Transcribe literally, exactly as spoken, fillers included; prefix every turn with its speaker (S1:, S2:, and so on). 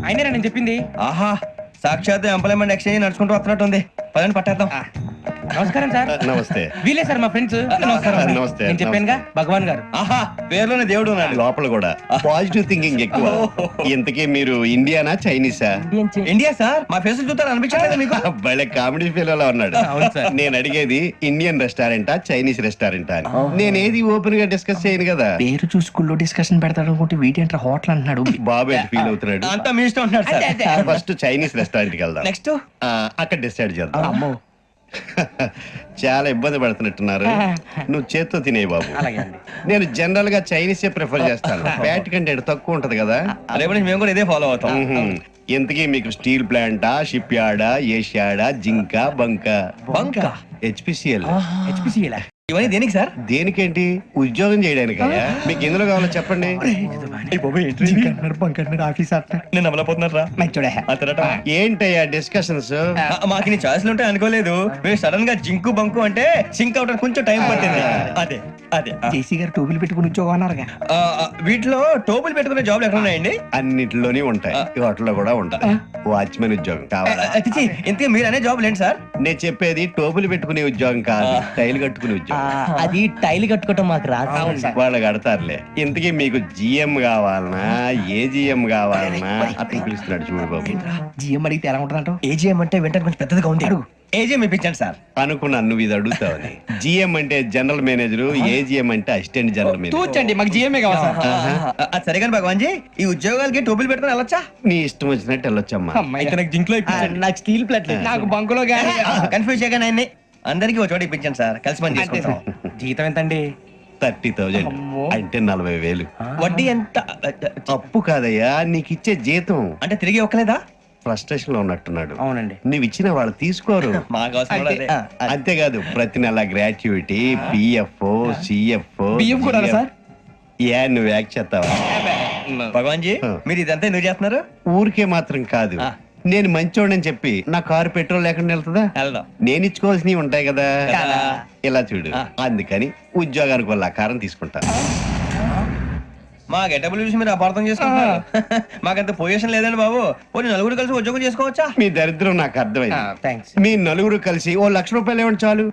S1: అయినా నేను చెప్పింది.
S2: ఆహా, సాక్షాత్ ఎంప్లాయ్మెంట్ ఎక్స్చేంజ్ నడుచుకుంటూ వస్తున్నట్టు ఉంది. పదండి పట్టేద్దాం.
S1: నమస్కారం సార్.
S3: నమస్తే.
S1: వీలే సార్ మా ఫ్రెండ్స్. నమస్కారం అండి.
S3: నమస్తే.
S1: నేను చెప్పానుగా భగవాన్ గారు.
S2: ఆహా, పేర్లోనే దేవుడు ఉన్నాడు.
S3: లోపల కూడా పాజిటివ్ థింకింగ్ ఎక్కువ. ఇంతకీ మీరు ఇండియానా చైనీసా?
S2: India sir. మా ఫేస్ చూస్తారు అనిపించలేదు మీకు?
S3: భలే కామెడీ ఫీల్ అలా ఉన్నాడు.
S1: అవును సార్.
S3: నేను అడిగేది ఇండియన్ రెస్టారెంటా చైనీస్ రెస్టారెంటా అని. నేను ఏది ఓపెన్ గా డిస్కస్ చేయను కదా.
S4: పేరు చూసుకుల్లో డిస్కషన్ పెడతాడు అనుకుంటే వీటి హోటల్ అంటున్నాడు.
S3: బాబు ఎట్ ఫీల్ అవుతున్నాడు.
S2: అంతా మీ ఇష్టం ఉంటున్నాడు సార్.
S3: ఫస్ట్ చైనీస్ రెస్టారెంట్ కి వెళ్దాం.
S2: నెక్స్ట్
S3: ఆ, అక్కడ డిసైడ్ చేద్దాం. చాలా ఇబ్బంది పడుతున్నట్టున్నారు. నువ్వు చేత్తో తినే బాబు.
S1: అలాగే అండి.
S3: నేను జనరల్ గా చైనీసే ప్రిఫర్ చేస్తాను. ఫ్యాట్ కంటెంట్ తక్కువ ఉంటది కదా.
S2: రేపు నుంచి మేము కూడా ఇదే ఫాలో అవుతాం.
S3: మ్మ్హ్మ్. ఇంతకీ మీకు స్టీల్ ప్లాంటా, షిప్ యార్డా, ఏషియాడా, జింక, బంక?
S2: బంక
S3: హెచ్పిసిఎల్.
S1: హెచ్పిసిఎల్
S2: ఇవన్నీ దేనికి సార్?
S3: దేనికేంటి? ఉద్యోగం చేయడానికి. మీకు ఎందులో కావాలో చెప్పండి.
S2: నేను అమలపోతున్నారా?
S3: ఏంటయ్యా డిస్కషన్స్?
S2: మాకు నీ ఛాయిస్లు ఉంటాయి అనుకోలేదు. మీరు సడన్ గా జింకు బంకు అంటే సింక్ అవడానికి కొంచెం టైం పట్టింది. అదే అదే ఆ.
S4: జేసీ గారు టోపీలు పెట్టుకుని ఉద్యోగం అన్నారుగా.
S2: ఆ, ఆ, వీటిలో టోపులు పెట్టుకునే జాబ్లు ఎక్కడ ఉన్నాయండి?
S3: అన్నిటిలోనే ఉంటాయి. వాటిలో కూడా ఉంటాయి. వాచ్మెన్ ఉద్యోగం కావాలా?
S2: అతిచి ఇంతకీ మీరు అనే జాబ్ లేండి సార్?
S3: నేను చెప్పేది టోపులు పెట్టుకునే ఉద్యోగం కాదు, టైల్ కట్టుకునే ఉద్యోగం.
S4: అది టైల్ కట్టుకోవటం మాకు రాదు.
S3: వాళ్ళు కడతారులే. ఇంతకీ మీకు జిఎం కావాలనా, ఏ జిఎం కావాలనా? అతను పిలుస్తున్నాడు చూడు బాబు.
S4: జిఎం అడిగితే ఎలా ఉంటుందంట?
S2: ఏజీఎం అంటే వెంటనే కొంచెం పెద్దదిగా ఉంది. ఏజీఎం ఇప్పించండి సార్.
S3: అనుకున్నాను నువ్వు ఇది అడుగుతావని. జిఎం అంటే జనరల్ మేనేజర్, ఏజిఎం అంటే అసిస్టెంట్ జనరల్ మేనేజర్.
S1: తూచండి, మాకు జిఎంఏ కావాలి సార్.
S2: అది సరే కానీ భగవాన్ జీ, ఈ ఉద్యోగాలకి టోపులు పెట్టుకుని వెళ్ళొచ్చా?
S3: నీ ఇష్టం వచ్చినట్టు వెళ్ళొచ్చమ్మా.
S2: అయితే నాకు జింక్ లో
S4: నాకు స్టీల్ ప్లేట్
S1: నాకు బంకులో గానీ.
S2: కన్ఫ్యూజ్ చేయగానే ఆయన్ని అందరికీ ఒక చోట ఇప్పించండి సార్. కలిసి పని చేసుకుంటాం.
S1: జీతం ఎంతండి?
S3: థర్టీ థౌజండ్ అంటే నలభై వేలు.
S2: వడ్డీ ఎంత?
S3: అప్పు కాదయ్యా, నీకు ఇచ్చే జీతం.
S2: అంటే తిరిగి ఒక్కలేదా?
S3: ఫ్రస్ట్రేషన్ లో ఉన్నట్టున్నాడు.
S1: అవునండి.
S3: నువ్వు ఇచ్చిన వాళ్ళు తీసుకోరు.
S2: మాకు అవసరం కూడా అదే.
S3: అంతేకాదు ప్రతి నెల గ్రాట్యుటీ, పిఎఫ్, సిఎఫ్.
S1: బియ్యం కూడా సార్?
S3: ఏ నువ్వు యాక్ చేస్తావా?
S2: భగవాన్ జీ, మీరు ఇదంతా ఎందుకు చేస్తున్నారు?
S3: ఊరికే మాత్రం కాదు,
S2: ఆ.
S3: నేను మంచోడని చెప్పి నా కారు పెట్రోల్ లేకుండా వెళ్తుందా?
S2: వెళ్దాం.
S3: నేను ఇచ్చుకోవాల్సినవి ఉంటాయి కదా.
S2: కదా.
S3: ఇలా చూడు,
S2: ఆ.
S3: అందుకని ఉద్యోగానికి వాళ్ళ ఆకారం తీసుకుంటా.
S2: మా గెటబుల్ చూసి మీరు అపార్థం చేసుకుంటున్నారు. మాకంత పొజిషన్ లేదండి బాబు. పోనీ నలుగురు కలిసి ఉద్యోగం చేసుకోవచ్చా?
S3: మీ దరిద్రం నాకు అర్థమైంది.
S1: థ్యాంక్స్.
S3: మీ నలుగురు కలిసి ఓ లక్ష రూపాయలు ఇవ్వండి చాలు.